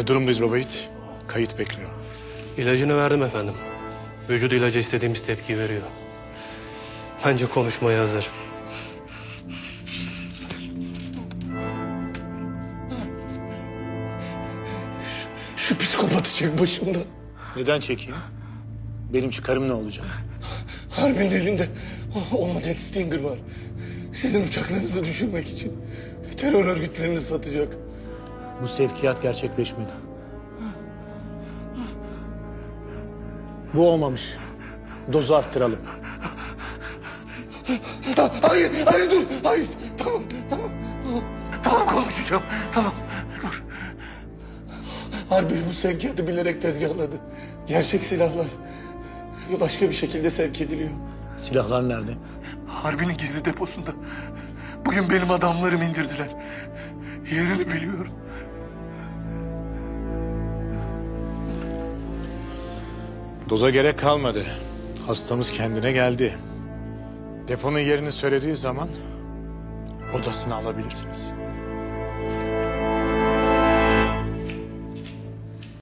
Ne durumdayız baba yiğit? Kayıt bekliyor. İlacını verdim efendim. Vücudu ilaca istediğimiz tepkiyi veriyor. Bence konuşmaya hazır. Şu psikopatı çek başımdan. Neden çekeyim? Benim çıkarım ne olacak? Harbinin elinde olmayan Stinger var. Sizin uçaklarınızı düşürmek için terör örgütlerini satacak. Bu sevkiyat gerçekleşmedi. Bu olmamış. Dozu arttıralım. Hayır, hayır dur. Hayır, tamam. Tamam konuşacağım. Tamam, dur. Harbi bu sevkiyatı bilerek tezgahladı. Gerçek silahlar başka bir şekilde sevk ediliyor. Silahlar nerede? Harbinin gizli deposunda. Bugün benim adamlarım indirdiler. Yerini biliyorum. Doza gerek kalmadı. Hastamız kendine geldi. Deponun yerini söylediği zaman odasını alabilirsiniz.